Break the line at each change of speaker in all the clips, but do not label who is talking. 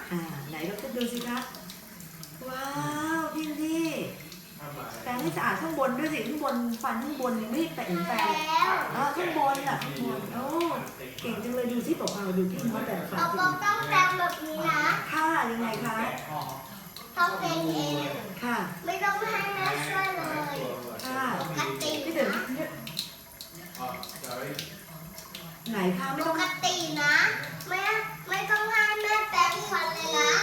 ไหนเราก็ดูสิคะว้าวพี่แปรงให้สะอาดข้างบนด้วยสิข้างบนฟันข้างบนยังไม่แปรงข้างบนอ่ะข้างบนโอ้เก่งจังเลยดูสิเปล่าๆดูพี่เขาแปรงฟัน
เราต้องแปรงแบบนี้นะ
ค่ะยังไงคะ
ต้องเป็นเอง
ค่ะ
ไม่ต้องให้แม่ช่วยเลย
ค่ะ
ปกติ
พี่เดี๋ยวไหนคะไม่
ป
ต้อง
กตินะไม่ต้องให้แม่แปรงฟันเลยนะ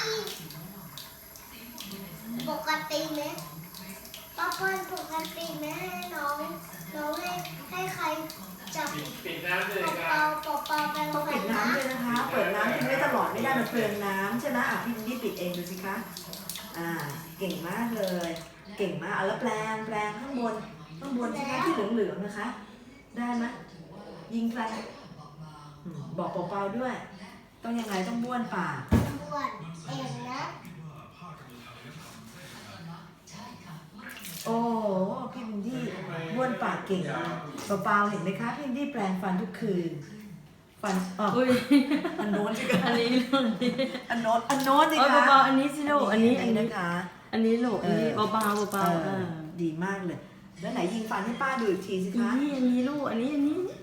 ปกติไหมป้าเปิ้ลปกติไหมให้น้องให้ใครจับ
ปิดน้ำเลยค
เป
รับ
ล่าแปรง
ต้อง
ฟั
ปิ
น
ด
นะ
น้ำด้วยนะคะ เปิดน้ำทิ้งไว้ตลอดไม่ได้มันเปลืองน้ำใช่ไหมพี่นี่ปิดเองดูสิคะเก่งมากเลย เก่งมากแล้วแปรงข้างบนใช่ไหมที่เหลืองๆนะคะ ได้ไหมยิงแปรงบอกเปล่าๆด้วย ต้องยังไงต้องบ้วนปาก
บ้วนเองนะ
โอ้พี่วินดี้บ้วนปากเก่งเปล่าๆเห็นไหมคะพี่วินดี้แปรงฟันทุกคืนฟันอันโน้นสิคะ
อันนี้ลูก
อันโน้นสิ
เออ
คะ
เบาๆอันนี้สิลูกอันนี้
นะคะ
อันนี้ลูกอันนี้เบาๆเบาๆ
ดีมากเลย แล้วไหนยิงฟันให้ป้าดูอีกทีสิคะ
อันนี้ลูกอันนี้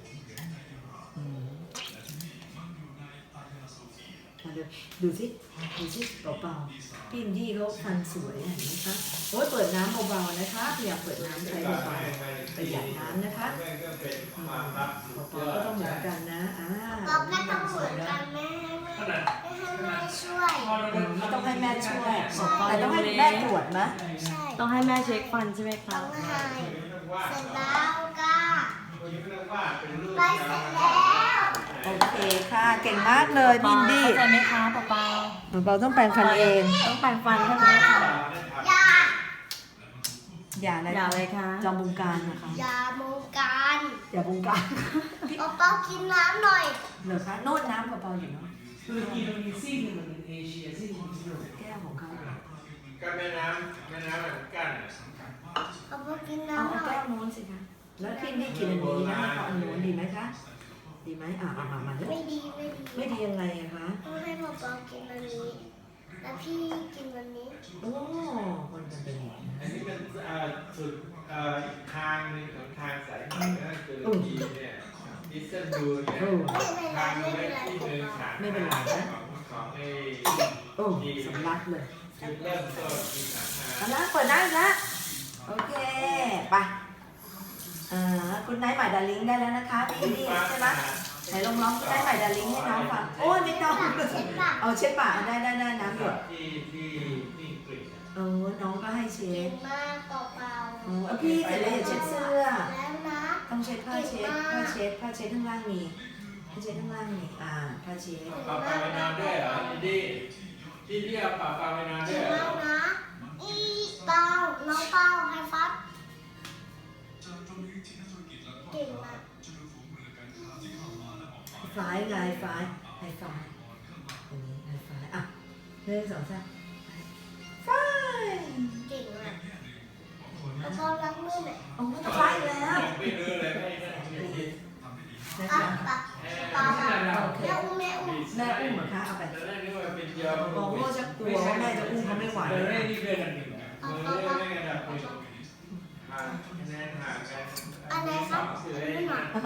มาดูสิเบาๆพี่อินดี้เขาฟันสวยเห็นไหมคะโอ้ยเปิดน้ำเบาๆนะคะพยายามเปิดน้ำใช้เบาๆประหยัดน้ำนะคะเบาๆก็ต้องเหมือนกันนะ
เราก็ต้องเหมือนกันแม่ให้แม่ช่วย
ไม่ต้องให้แม่ช่วยแต่ต้องให้แม่ตรวจนะ
ใช่
ต้องให้แม่เช็คฟันใช่ไหมคะ
ต้องให้เสร็จแล้วก็ไปเสร็จแล้ว
โอเคค่ะเก่งมากเลยพี่อินดี้
เข้าใจไหมคะเบา
เบาๆต้องแปรงฟันเอง
ๆต้องแปรงฟันใช่ไหมคะ
อย่า
อย่าอะไร
อย่าเลยค่ะ
จอมบงการนะคะ
อย่าโมกัน
อย่าบงการ
เปากินน้ำหน่อย
เหรอคะโน่นน้ำเบาๆอยู่เนาะ
ตุรกีมันมีซีกหนึ่งมันเป็นเอเชียซีกหนึ่งเป็นยุโรป
แก้วของเขาเหรอ
ก็แม่น้ำแบบกั้น
เปากิน
เอา
น้ำหน่อ
แก้
ยว
โน้นสิคะแล้วพี่นี่กินอันนี้นะเอาอันโน้นดีไหมคะดีไหมมาด้วย
ไม่ดี
ไม่ดียังไงอะคะ
ต้องให้เปากินอันนี้ แล้วพี่กินอันนี้
โอ้มันเป็นอย่างนี้
อันนี้เป็นสุดอีกทางหนึ่งของทางสายเหนือตุรกีเนี่ยอิสตันบูลเนี่ยทางเล็กที่เดินทางของไอ้
โอ้สำลักเลย
จุดเริ่มต้นที่สาขา
เอาละเปิดได้แล้วโอเคไปคุณไนท์ใหม่ดาริงได้แล้วนะคะพี่นี่ใช่ไหมไหนลองร้องคุณไนท์ใหม่ดาริงให้น้องฟังโอ้ยไม่ต้องเอาเช็ดปากได้น้ำหยด
ที่อังกฤษ
น้องก็ให้เช็
เก่
ด
งมากเปา
พี่เสร็จแล้วอย่าเช็ดเสื้อ
แล้วนะ
ต้องเช็ดผ้าเช็ดข้างล่างมีผ้าเช็ดข้างล่างมีผ้าเช็ด
ป่าปาไปนอนด้วยเหรอที่เอาป่าปาไปนอน
เก่
ด้วย
ง
เหรอ
มากนะเปาน้องเปาให้ฟัดเก่งมาก
ฝ่ายไงฝ่ายให้ฝ่ายอันนี้ให้ฝ่าย1 2 3ฝ่าย
เก่งมากแล้วก็ล้างมือหน่อย
โอ้จะฝ่ายแล้ว
ไม่รู้เลยไม่ได้
นะคะ
เปาแม่อุ้ม
แม่อุ้มเหรอคะเอาไป
ตอนแรกนึกว่าเป็นยอม
โอ้โหจะกลัวว่าแม่จะอุ้มเขาไม่ไหว
เล่นนี่เกินอันหนึ่งไม่กันแบบคะแนนห่างกัน
อันไหนครับ
เสือ
อันนี้หน่อย